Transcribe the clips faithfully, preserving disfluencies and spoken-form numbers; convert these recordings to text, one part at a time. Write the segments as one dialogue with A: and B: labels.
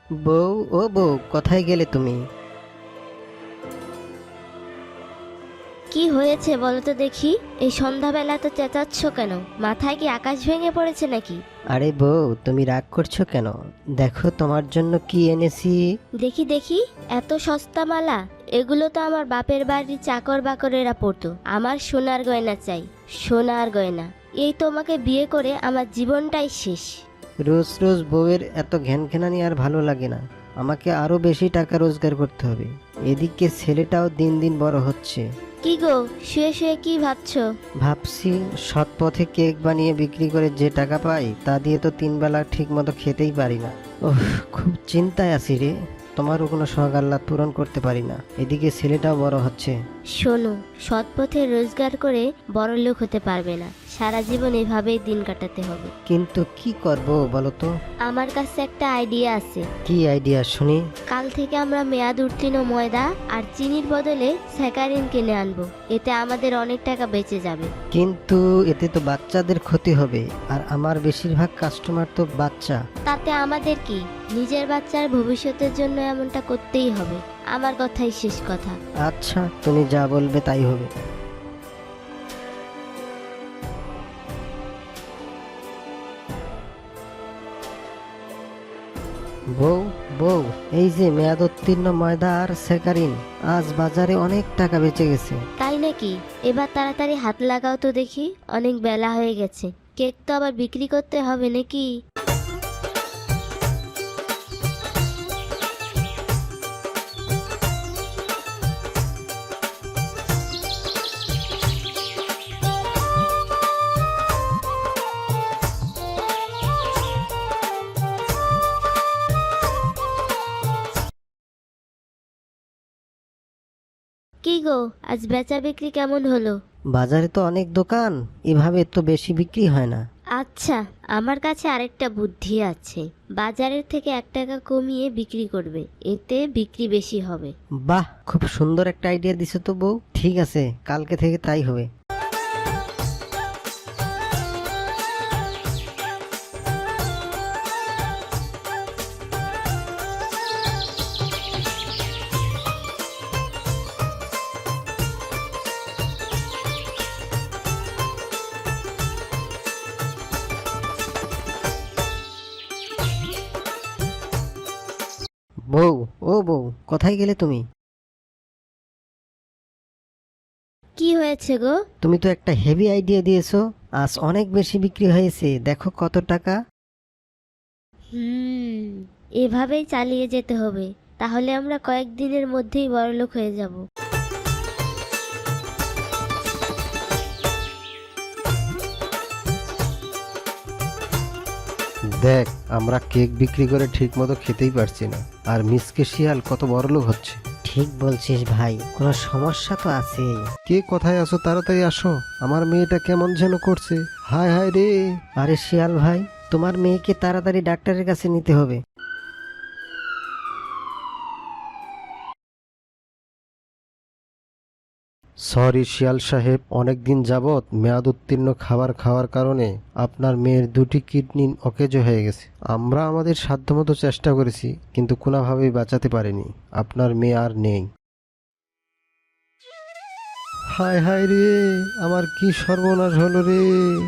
A: বউ, ও বউ, কোথায় গেলে তুমি?
B: কি হয়েছে বলো তো দেখি? এই সন্ধ্যাবেলা তো চেঁচাচ্ছ কেন? মাথায় কি আকাশ ভেঙে পড়েছে নাকি?
A: আরে বউ, তুমি রাগ করছো কেন? দেখো তোমার জন্য কি এনেছি।
B: দেখি দেখি, এত সস্তা মালা! এগুলো তো আমার বাপের বাড়ির চাকর বাকরেরা পরতো। আমার সোনার গয়না চাই, সোনার গয়না। এই তোমাকে বিয়ে করে আমার জীবনটাই শেষ।
A: রোজ রোজ বউয়ের এত ঘ্যানঘ্যানানি আর ভালো লাগে না। আমাকে আরো বেশি টাকা রোজগার করতে হবে। এদিকে ছেলেটাও দিন দিন বড় হচ্ছে।
B: কি গো, শুয়ে শুয়ে কি ভাবছো?
A: ভাবছি, সৎ পথে কেক বানিয়ে বিক্রি করে যে টাকা পাই তা দিয়ে তো তিন বেলা ঠিক মতো খেতেই পারি না। ওহ, খুব চিন্তায় আছি রে। তোমারও কোনো শখ আহ্লাদ পূরণ করতে পারি না, এদিকে ছেলেটাও বড় হচ্ছে।
B: শোনো, সৎ পথে রোজগার করে বড় লোক হতে পারবে না। সারা জীবন এভাবেই দিন কাটাতে হবে।
A: কিন্তু কি করব বলো তো?
B: আমার কাছে একটা আইডিয়া আছে।
A: কি আইডিয়া শুনি?
B: কাল থেকে আমরা মেয়াদ উত্তীর্ণ ময়দা আর চিনির বদলে স্যাকারিন কিনে আনবো। এতে আমাদের অনেক টাকা বেঁচে যাবে।
A: কিন্তু এতে তো বাচ্চাদের ক্ষতি হবে, আর আমার বেশিরভাগ কাস্টমার তো বাচ্চা।
B: তাতে আমাদের কি? নিজের বাচ্চার ভবিষ্যতের জন্য এমনটা করতেই হবে। আমার কথাই শেষ কথা।
A: আচ্ছা, তুমি যা বলবে তাই হবে। বউ, বউ, এই যে মেয়াদোত্তীর্ণ ময়দা আর স্যাকারিন, আজ বাজারে অনেক টাকা বেঁচে গেছে।
B: তাই নাকি? এবার তাড়াতাড়ি হাত লাগাও তো দেখি, অনেক বেলা হয়ে গেছে। কেক তো আবার বিক্রি করতে হবে নাকি? কি গো, আজ বেচা বিক্রি কেমন হলো?
A: বাজারে তো অনেক দোকান, এভাবে তো বেশি বিক্রি হয় না।
B: আচ্ছা, আমার কাছে আরেকটা বুদ্ধি আছে। বাজারের থেকে এক টাকা কমিয়ে বিক্রি করবে, এতে বিক্রি বেশি হবে।
A: বাহ, খুব সুন্দর একটা আইডিয়া দিছো তো বউ। ঠিক আছে, কালকে থেকে তাই হবে। বউ, ও বউ, কোথায় গেলে তুমি?
B: কি হয়েছে গো?
A: তুমি তো একটা হেভি আইডিয়া দিয়েছো। আজ অনেক বেশি বিক্রি হয়েছে, দেখো কত টাকা।
B: হুম, এভাবেই চালিয়ে যেতে হবে। তাহলে আমরা কয়েকদিনের মধ্যেই বড়লোক হয়ে যাব।
C: দেখ, আমরা কেক বিক্রি করে ঠিক মতো খেতেই পারছি না, আর মিসকে শিয়াল কত বড়লোক হচ্ছে।
A: ঠিক বলছিস ভাই, কোনো সমস্যা তো আছেই।
C: কে কোথায় আসো, তাড়াতাড়ি আসো। আমার মেয়েটা কেমন যেন করছে। হায় হায় রে।
A: আরে শিয়াল ভাই, তোমার মেয়েকে তাড়াতাড়ি ডাক্তারের কাছে নিতে হবে।
C: সরি শিয়াল সাহেব, অনেকদিন যাবৎ মেয়াদ উত্তীর্ণ খাবার খাওয়ার কারণে আপনার মেয়ের দুটি কিডনি অকেজো হয়ে গেছে। আমরা আমাদের সাধ্যমতো চেষ্টা করেছি, কিন্তু কোনোভাবেই বাঁচাতে পারিনি। আপনার মেয়ে আর নেই। হায় হায় রে, আমার কি সর্বনাশ হলো রে।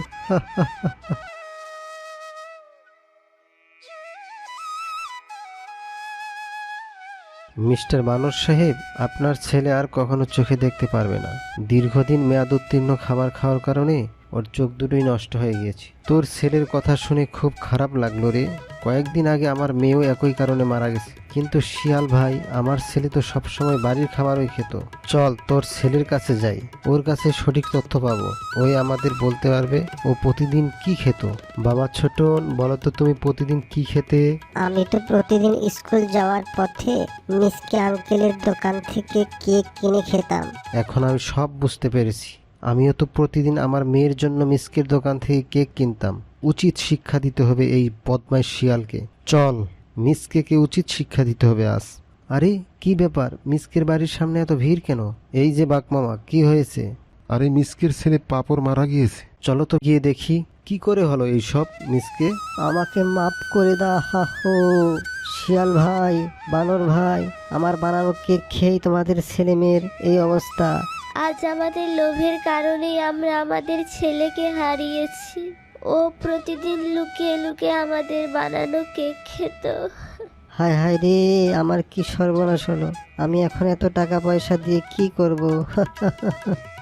C: মিস্টার মানস সাহেব, আপনার ছেলে আর কখনো চোখে দেখতে পারবে না। দীর্ঘদিন মেয়াদ উত্তীর্ণ খাবার খাওয়ার কারণে ওর চোখ দুটোই নষ্ট হয়ে গিয়েছে। তোর ছেলের কথা শুনে খুব খারাপ লাগলো রে। কয়েকদিন আগে আমার মেয়েও একই কারণে মারা গেছে। কিন্তু শিয়াল ভাই, আমার ছেলে তো সবসময় বাড়ির খাবারই খেত। চল তোর ছেলের কাছে যাই, ওর কাছে সঠিক তথ্য পাবো। ওই আমাদের বলতে পারবে ও প্রতিদিন কি খেত। বাবা ছোটন, বলো তো তুমি প্রতিদিন কি খেতে?
D: আমি তো প্রতিদিন স্কুল যাওয়ার পথে মিসকে আঙ্কেলের দোকান থেকে কেক কিনে খেতাম।
C: এখন আমি সব বুঝতে পেরেছি। আমিও তো প্রতিদিন আমার মেয়ের জন্য মিসকের দোকান থেকে কেক কিনতাম। উচিত শিক্ষা দিতে হবে এই বদমাইশ শিয়ালকে। চল, মিসকে উচিত শিক্ষা দিতে হবে আজ। আরে কি ব্যাপার, মিসকের বাড়ির সামনে এত ভিড় কেন? এই যে বাকমামা, কি হয়েছে?
E: আরে মিসকের ছেলে পাপড় মারা গিয়েছে।
C: চলো তো গিয়ে দেখি কি করে হলো এই সব। মিসকে,
A: আমাকে মাফ করে দাও। হা হো, শিয়াল ভাই, বানর ভাই, আমার বানানো কেক খেয়েই তোমাদের ছেলে মেয়ের এই অবস্থা।
B: আজ আমাদের লোভের কারণেই আমরা আমাদের ছেলেকে হারিয়েছি। ও প্রতিদিন লুকিয়ে লুকিয়ে আমাদের বানানো কেক খেত।
A: হায় হায় রে, আমার কি সর্বনাশ হলো। আমি এখন এত টাকা পয়সা দিয়ে কি করব?